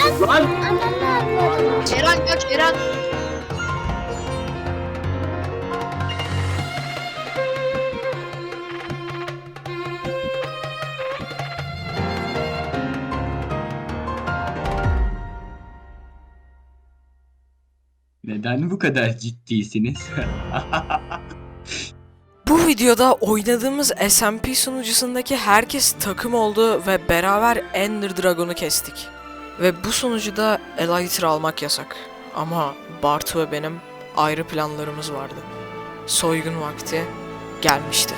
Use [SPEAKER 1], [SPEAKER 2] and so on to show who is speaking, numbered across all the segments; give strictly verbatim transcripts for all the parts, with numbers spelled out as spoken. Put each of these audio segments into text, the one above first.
[SPEAKER 1] Lan.
[SPEAKER 2] Eren kaç Eren.
[SPEAKER 1] Neden bu kadar ciddisiniz?
[SPEAKER 3] Bu videoda oynadığımız S M P sunucusundaki herkes takım oldu ve beraber Ender Dragon'u kestik. Ve bu sunucuda Elytra almak yasak. Ama Bartu ve benim ayrı planlarımız vardı. Soygun vakti gelmişti.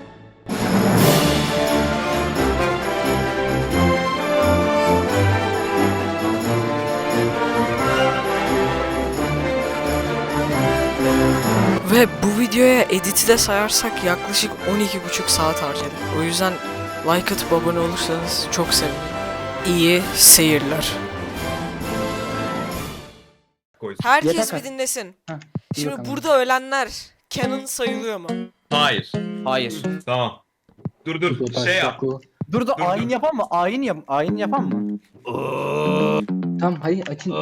[SPEAKER 3] Ve bu videoya editi de sayarsak yaklaşık on iki buçuk saat harcadık. O yüzden like atıp abone olursanız çok sevinirim. İyi seyirler. Herkes
[SPEAKER 4] Yeter
[SPEAKER 3] bir dinlesin.
[SPEAKER 4] Heh,
[SPEAKER 3] Şimdi
[SPEAKER 4] bakalım.
[SPEAKER 3] burada ölenler canon sayılıyor mu?
[SPEAKER 5] Hayır.
[SPEAKER 4] Hayır.
[SPEAKER 5] Tamam. Dur dur. Şey yap.
[SPEAKER 4] Dur
[SPEAKER 5] Dur,
[SPEAKER 4] dur
[SPEAKER 5] dur.
[SPEAKER 4] ayin yapan mı? Ayin yap ayin yapan mı?
[SPEAKER 6] Tamam hayır açın.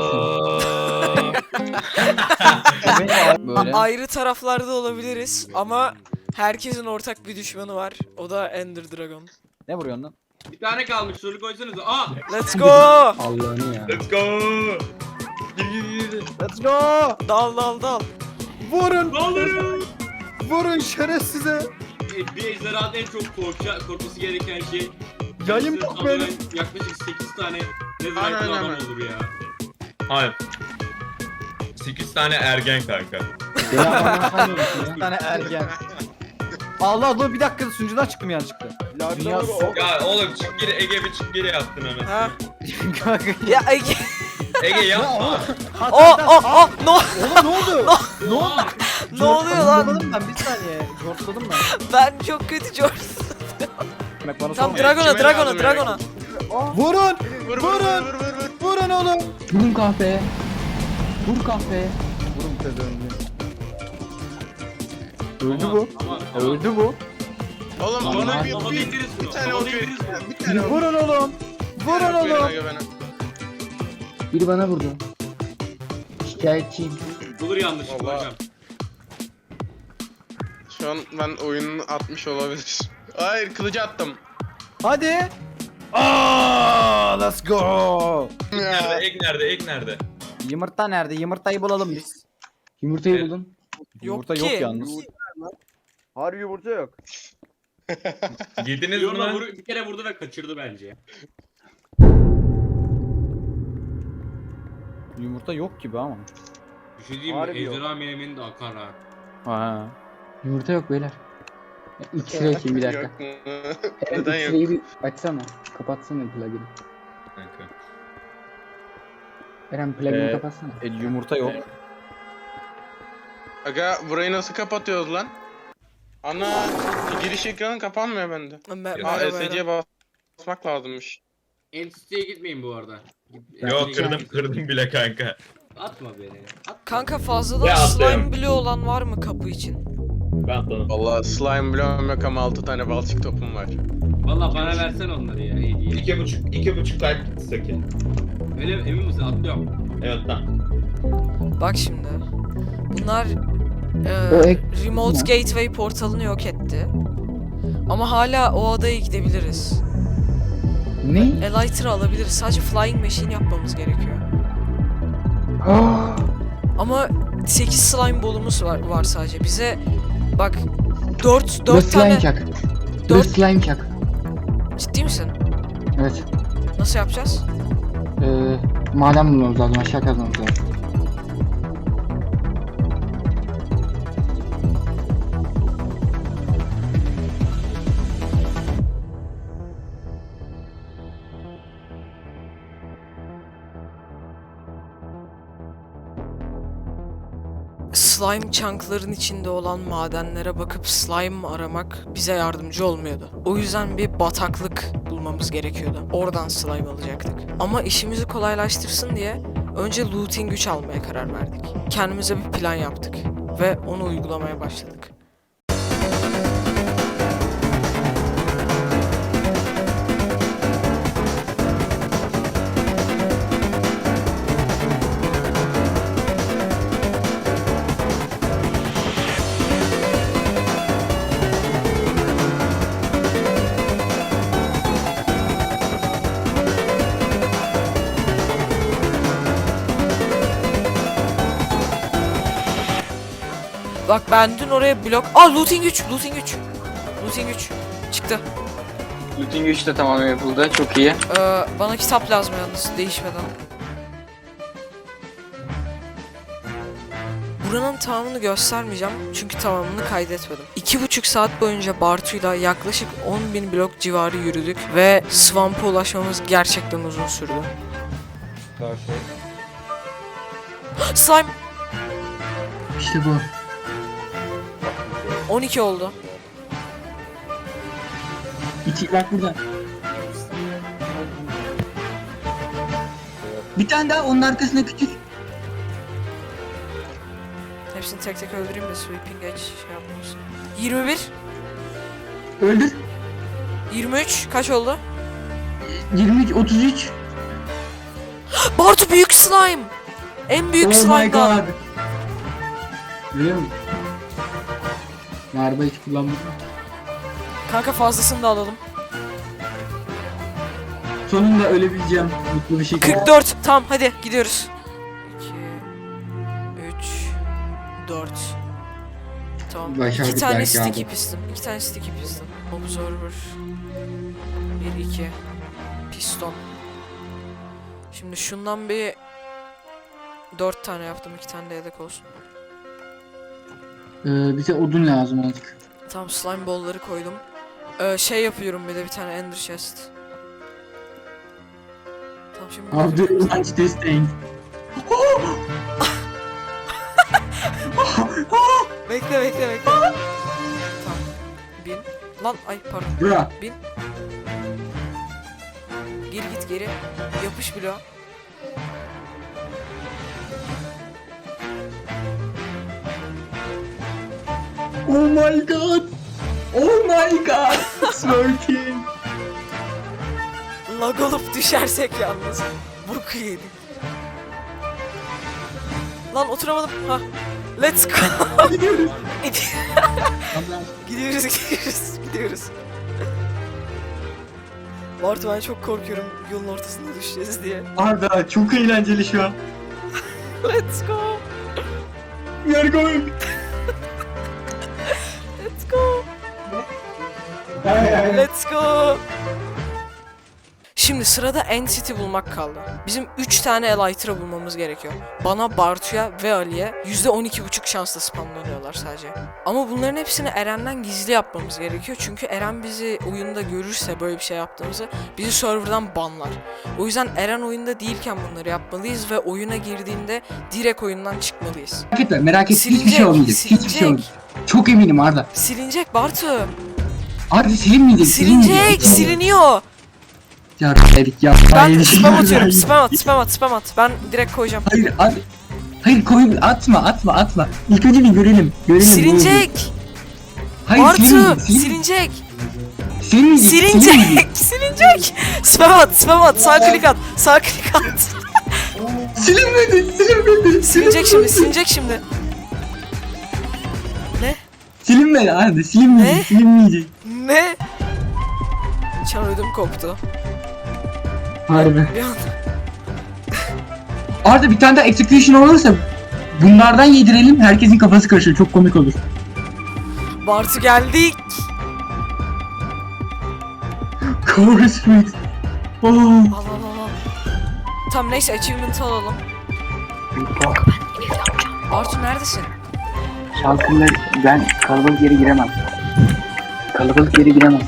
[SPEAKER 4] Böyle.
[SPEAKER 3] Ayrı taraflarda olabiliriz ama herkesin ortak bir düşmanı var. O da Ender Dragon.
[SPEAKER 4] Ne vuruyorsun lan?
[SPEAKER 7] Bir tane kalmış soru koysanıza. Aa!
[SPEAKER 3] Let's go!
[SPEAKER 6] Allah'ını ya.
[SPEAKER 5] Let's go. Gir gir gir.
[SPEAKER 4] Let's go!
[SPEAKER 3] Dal dal dal.
[SPEAKER 4] Vurun!
[SPEAKER 7] Ne oluyor?
[SPEAKER 4] Vurun şerefsize!
[SPEAKER 7] E, Bir ejderhanın en çok korkça, korkması gereken şey
[SPEAKER 4] Yayım
[SPEAKER 7] kendisini
[SPEAKER 4] yok
[SPEAKER 7] saldıran
[SPEAKER 4] benim.
[SPEAKER 7] yaklaşık sekiz tane nezaketli adam olur ya.
[SPEAKER 5] Hayır. sekiz tane ergen kanka.
[SPEAKER 4] Bir tane ergen. Allah dur bir dakika sunucudan çıktım yanlışlıkla. Dünya
[SPEAKER 5] Ya oğlum çık geri Ege bir çık geri yaptın anasını.
[SPEAKER 3] Ha?
[SPEAKER 4] Kanka.
[SPEAKER 3] Ya Ege.
[SPEAKER 5] Ege yapma.
[SPEAKER 3] Oh oh oh no.
[SPEAKER 4] Oğlum ne oldu? Ne oldu?
[SPEAKER 3] Ne oluyor lan?
[SPEAKER 4] Jortladım ben bir saniye. Jortladım ben.
[SPEAKER 3] Ben çok kötü George.
[SPEAKER 4] Bak bana
[SPEAKER 3] Tam
[SPEAKER 4] sorma.
[SPEAKER 3] Dragon'a Dragon'a Dragon'a.
[SPEAKER 4] Vurun! Vurun! Vurun oğlum!
[SPEAKER 6] Vurun kahveye. Vur kahveye.
[SPEAKER 4] Vurun pezevengi. Öldü
[SPEAKER 7] Aman,
[SPEAKER 4] bu.
[SPEAKER 7] aman, aman.
[SPEAKER 4] Öldü bu.
[SPEAKER 8] Oğlum
[SPEAKER 6] Aman
[SPEAKER 8] bana
[SPEAKER 6] abi.
[SPEAKER 8] bir,
[SPEAKER 7] Havada
[SPEAKER 8] bir,
[SPEAKER 7] indiririz bunu.
[SPEAKER 8] bir tane
[SPEAKER 7] Havada
[SPEAKER 8] ok verin.
[SPEAKER 7] indiririz bunu.
[SPEAKER 8] Bir tane ok
[SPEAKER 4] Vurun oğlum. Vurun
[SPEAKER 8] verin
[SPEAKER 4] oğlum.
[SPEAKER 8] aga bana.
[SPEAKER 6] Biri bana vurdu. Şikayetçiyim.
[SPEAKER 7] Bulur yanlışlıkla
[SPEAKER 8] Vallahi.
[SPEAKER 7] hocam.
[SPEAKER 8] Şu an ben oyunu atmış olabilir. Hayır kılıcı attım.
[SPEAKER 4] Hadi. Aa, let's go.
[SPEAKER 5] Nerede? Ek nerede? Ek nerede?
[SPEAKER 4] Yumurta nerede? Yumurtayı bulalım biz.
[SPEAKER 6] Yumurtayı
[SPEAKER 5] Evet.
[SPEAKER 6] buldum.
[SPEAKER 4] Yumurta
[SPEAKER 3] ki.
[SPEAKER 4] yok yalnız.
[SPEAKER 9] Harbi yumurta yok.
[SPEAKER 5] Girdiniz mi
[SPEAKER 7] Yoruna
[SPEAKER 5] lan?
[SPEAKER 7] vur, bir kere vurdu ve kaçırdı bence.
[SPEAKER 4] Yumurta yok gibi ama.
[SPEAKER 7] Bir şey diyeyim mi?
[SPEAKER 9] Harbi yok.
[SPEAKER 7] Ejderha menemeni de akar ha.
[SPEAKER 4] Ha.
[SPEAKER 6] Yumurta yok beyler. X-ray açayım bir dakika.
[SPEAKER 8] Yok mu?
[SPEAKER 6] Eren
[SPEAKER 8] Neden yok?
[SPEAKER 6] X-ray'i bir açsana. Kapatsana plugin'i.
[SPEAKER 5] Kanka.
[SPEAKER 6] Eren plugin'i
[SPEAKER 4] Ee,
[SPEAKER 6] kapatsana.
[SPEAKER 4] E, yumurta yok.
[SPEAKER 8] Aga burayı nasıl kapatıyoruz lan? Ana giriş ekranı kapanmıyor bende.
[SPEAKER 3] Me-
[SPEAKER 8] Aa
[SPEAKER 3] merhaba
[SPEAKER 8] S C'ye
[SPEAKER 3] Eren.
[SPEAKER 8] basmak lazımmış.
[SPEAKER 7] Entite'ye gitmeyin bu arada. Git-
[SPEAKER 5] Yok
[SPEAKER 7] Entite'ye
[SPEAKER 5] kırdım
[SPEAKER 7] gitmeyin.
[SPEAKER 5] kırdım bile kanka.
[SPEAKER 7] Atma beni. Atma.
[SPEAKER 3] Kanka fazladan
[SPEAKER 5] Ya
[SPEAKER 3] slime
[SPEAKER 5] atlayalım.
[SPEAKER 3] bloğu olan var mı kapı için?
[SPEAKER 5] Ben atladım.
[SPEAKER 8] Vallahi slime bloğum yok ama altı tane balçık topum var.
[SPEAKER 7] Valla bana versen onları ya hediye.
[SPEAKER 5] İki buçuk, iki buçuk kalp saki.
[SPEAKER 7] Öyle mi? Emin misin? Atlıyorum.
[SPEAKER 5] Evet lan.
[SPEAKER 3] Bak şimdi. Bunlar e,
[SPEAKER 6] O ek-
[SPEAKER 3] Remote
[SPEAKER 6] Ne?
[SPEAKER 3] Gateway portalını yok etti. Ama hala o adaya gidebiliriz.
[SPEAKER 6] Ne?
[SPEAKER 3] Elytra alabiliriz. Sadece Flying Machine yapmamız gerekiyor.
[SPEAKER 6] Aa!
[SPEAKER 3] Ama sekiz slime bolumuz var, var sadece. Bize bak dört
[SPEAKER 6] Dur
[SPEAKER 3] dört
[SPEAKER 6] slime
[SPEAKER 3] tane
[SPEAKER 6] çak. Dur
[SPEAKER 3] dört
[SPEAKER 6] slime çak.
[SPEAKER 3] ciddi misin?
[SPEAKER 6] Evet.
[SPEAKER 3] Nasıl yapacağız?
[SPEAKER 6] Ee, maden bulmamız lazım. Aşağı kazmamız lazım.
[SPEAKER 3] Slime chunk'ların içinde olan madenlere bakıp slime aramak bize yardımcı olmuyordu. O yüzden bir bataklık bulmamız gerekiyordu. Oradan slime alacaktık. Ama işimizi kolaylaştırsın diye önce looting güç almaya karar verdik. Kendimize bir plan yaptık ve onu uygulamaya başladık. Bak ben dün oraya blok... Aa looting üç, looting üç. Looting üç. Çıktı.
[SPEAKER 6] Looting üç de tamamen yapıldı. Çok iyi.
[SPEAKER 3] Ee, bana kitap lazım yalnız değişmeden. Buranın tamamını göstermeyeceğim çünkü tamamını kaydetmedim. İki buçuk saat boyunca Bartu'yla yaklaşık on bin blok civarı yürüdük ve Swamp'a ulaşmamız gerçekten uzun sürdü. Slime!
[SPEAKER 6] İşte bu.
[SPEAKER 3] on iki oldu.
[SPEAKER 6] İki bak burada. Bir tane daha onun arkasına küçük.
[SPEAKER 3] Hepsini tek tek öldüreyim de sweeping edge şey yapmasın. yirmi bir,
[SPEAKER 6] Öldür.
[SPEAKER 3] yirmi üç kaç oldu?
[SPEAKER 6] yirmi üç, otuz üç.
[SPEAKER 3] Bartu büyük slime! En büyük
[SPEAKER 6] Oh my
[SPEAKER 3] slime'dan.
[SPEAKER 6] god. Görüyor musun? Narba hiç kullanmadım.
[SPEAKER 3] Kanka fazlasını da alalım.
[SPEAKER 6] Sonunda ölebileceğim mutlu bir şekilde.
[SPEAKER 3] kırk dört. Tamam hadi gidiyoruz. iki, üç, dört. Tamam.
[SPEAKER 6] Başardık
[SPEAKER 3] iki tane
[SPEAKER 6] belki
[SPEAKER 3] sticky
[SPEAKER 6] abi.
[SPEAKER 3] piston. iki tane sticky piston. Observer. bir, iki. Piston. Şimdi şundan bir dört tane yaptım. iki tane de yedek olsun.
[SPEAKER 6] Ee, bize odun lazım azıcık.
[SPEAKER 3] Tamam slime ball'ları koydum. Ee, şey yapıyorum bir de bir tane ender chest. Tamam şimdi...
[SPEAKER 6] How do you launch this thing?
[SPEAKER 3] Bekle bekle bekle. Tamam. Bin. Lan ay pardon.
[SPEAKER 6] Bra.
[SPEAKER 3] Bin. Geri git geri. Yapış bloğa.
[SPEAKER 6] Oh my god. Oh my god. It's working.
[SPEAKER 3] Lag olup düşersek yalnız. Burku yedik. Lan oturamadım. Ha. Let's go.
[SPEAKER 6] Gidiyoruz.
[SPEAKER 3] gidiyoruz gidiyoruz gidiyoruz. Bartu ben çok korkuyorum yolun ortasında düşeceğiz diye.
[SPEAKER 6] Arda çok eğlenceli şu an.
[SPEAKER 3] Let's go.
[SPEAKER 6] We are going.
[SPEAKER 3] Let's go. Let's go. Şimdi sırada Entity bulmak kaldı. Bizim üç tane Elytra bulmamız gerekiyor. Bana, Bartu'ya ve Ali'ye yüzde on iki buçuk şansla spamlanıyorlar sadece. Ama bunların hepsini Eren'den gizli yapmamız gerekiyor. Çünkü Eren bizi oyunda görürse böyle bir şey yaptığımızı bizi serverdan banlar. O yüzden Eren oyunda değilken bunları yapmalıyız ve oyuna girdiğinde direkt oyundan çıkmalıyız.
[SPEAKER 6] Merak etme merak etme hiçbir
[SPEAKER 3] Silinecek,
[SPEAKER 6] şey olmayacak. Hiçbir şey
[SPEAKER 3] silinecek.
[SPEAKER 6] olmayacak. Çok eminim Arda.
[SPEAKER 3] Silinecek Bartu.
[SPEAKER 6] Arda silinmeyecek.
[SPEAKER 3] Silinecek, siliniyor.
[SPEAKER 6] Ya dedik ya.
[SPEAKER 3] Ben
[SPEAKER 6] Hayır,
[SPEAKER 3] spam
[SPEAKER 6] hayır,
[SPEAKER 3] atıyorum.
[SPEAKER 6] hayır.
[SPEAKER 3] Spam at, spam at, spam at. Ben direkt koyacağım.
[SPEAKER 6] Hayır Arda. Hayır koy atma atma atma. İlk önce bir görelim. Görelim.
[SPEAKER 3] Silinecek.
[SPEAKER 6] Hayır
[SPEAKER 3] Bartu,
[SPEAKER 6] silinmeyecek.
[SPEAKER 3] silinecek.
[SPEAKER 6] Silinmeyecek.
[SPEAKER 3] Silinecek. Silinecek. Spam at, spam at. Sağ klik at. Sağ klik at.
[SPEAKER 6] Silinmedi. Silinmedi.
[SPEAKER 3] Silinecek şimdi, silinecek şimdi. Ne?
[SPEAKER 6] Silinmedi Arda. Silinmeyecek.
[SPEAKER 3] Ne?
[SPEAKER 6] Silinmeyecek.
[SPEAKER 3] Ne? Çan ödüm koptu.
[SPEAKER 6] Harbi.
[SPEAKER 3] Bir an.
[SPEAKER 6] Arda bir tane daha execution olursa bunlardan yedirelim. Herkesin kafası karışır. Çok komik olur.
[SPEAKER 3] Bartu geldik.
[SPEAKER 6] Cover Street. Oh.
[SPEAKER 3] Al al al al. Tamam neyse achievement'ı alalım. Bartu neredesin?
[SPEAKER 6] Şalkınlar ben kalabalık yere giremem. Kalabalık yere giremem.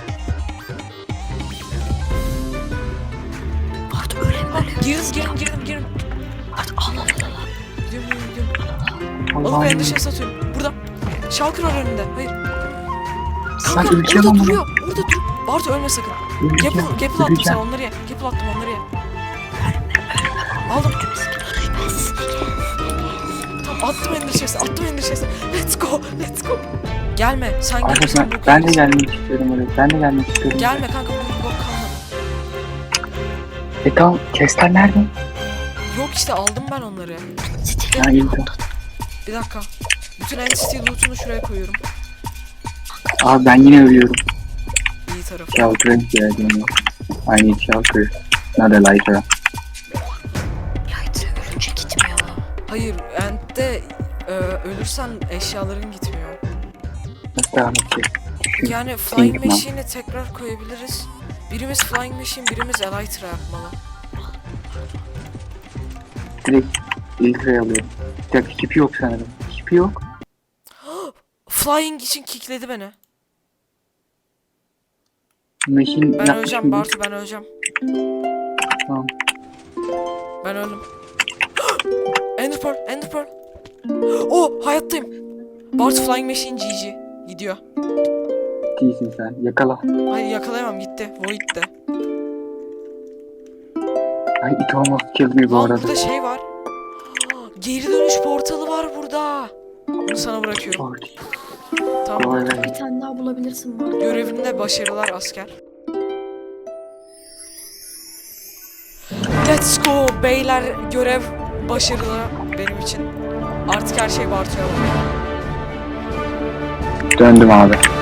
[SPEAKER 3] Bartu öyle mi? Girin girin girin girin. Bartu al al al. Gidiyorum gidiyorum gidiyorum. Alıp
[SPEAKER 6] Allah'ım.
[SPEAKER 3] endişe satıyorum. Burada. Şalkır var önünde. Hayır.
[SPEAKER 6] Sen
[SPEAKER 3] Kanka
[SPEAKER 6] öleceğim
[SPEAKER 3] orada
[SPEAKER 6] ama.
[SPEAKER 3] duruyor. Orada dur. Bartu ölme sakın.
[SPEAKER 6] Öleceğim,
[SPEAKER 3] Gapple, gapple attım
[SPEAKER 6] öleceğim.
[SPEAKER 3] sana onları ye. Gapple attım onları ye. Aldım. Tamam attım endişesi. Attım endişesi. Let's go. Let's go. Gelme. Sen
[SPEAKER 6] Arda
[SPEAKER 3] gelirsen
[SPEAKER 6] ben,
[SPEAKER 3] bu
[SPEAKER 6] ben de gelmek istiyorum oraya. Ben de gelmek istiyorum.
[SPEAKER 3] Gelme kanka bu bok kalmadı.
[SPEAKER 6] E tamam chestler nerede?
[SPEAKER 3] Yok işte aldım ben onları.
[SPEAKER 6] Ha iyi tamam.
[SPEAKER 3] Bir dakika. Bütün entity loot'unu şuraya koyuyorum.
[SPEAKER 6] Abi ben yine ölüyorum.
[SPEAKER 3] İyi tarafı.
[SPEAKER 6] Shelter'a ihtiyacım var. I need shelter. Not a lighter.
[SPEAKER 3] Hayır, Ent'te Ee, ölürsen eşyaların gitmiyor.
[SPEAKER 6] Nasıl devam edeceğiz? Düşün.
[SPEAKER 3] Yani Flying
[SPEAKER 6] Kingman.
[SPEAKER 3] Machine'i tekrar koyabiliriz. Birimiz Flying Machine, birimiz Elytra yapmalı.
[SPEAKER 6] Direkt Elytra'yı alıyorum. Bir dakika hiçbir yok sanırım. Hiçbir yok.
[SPEAKER 3] Flying için kickledi beni.
[SPEAKER 6] Machine
[SPEAKER 3] Ben
[SPEAKER 6] ne
[SPEAKER 3] öleceğim
[SPEAKER 6] yapmış
[SPEAKER 3] Bartu, ben öleceğim.
[SPEAKER 6] Tamam.
[SPEAKER 3] Ben öldüm. Ender Pearl, Ender Pearl. Oh, hayattayım. Bartu Flying Machine G G. Gidiyor.
[SPEAKER 6] Değilsin sen. Yakala.
[SPEAKER 3] Hayır yakalayamam, gitti. Void'de.
[SPEAKER 6] Ay it almost killed me bu
[SPEAKER 3] Lan
[SPEAKER 6] arada.
[SPEAKER 3] burada şey var. Geri dönüş portalı var burada. Bunu sana bırakıyorum.
[SPEAKER 6] Lord.
[SPEAKER 3] Tamam.
[SPEAKER 6] Vay be.
[SPEAKER 2] Bir tane daha bulabilirsin var.
[SPEAKER 3] Görevinde başarılar asker. Let's go beyler, görev başarılı benim için. Artık her şey Bartu'ya var.
[SPEAKER 6] Döndüm abi.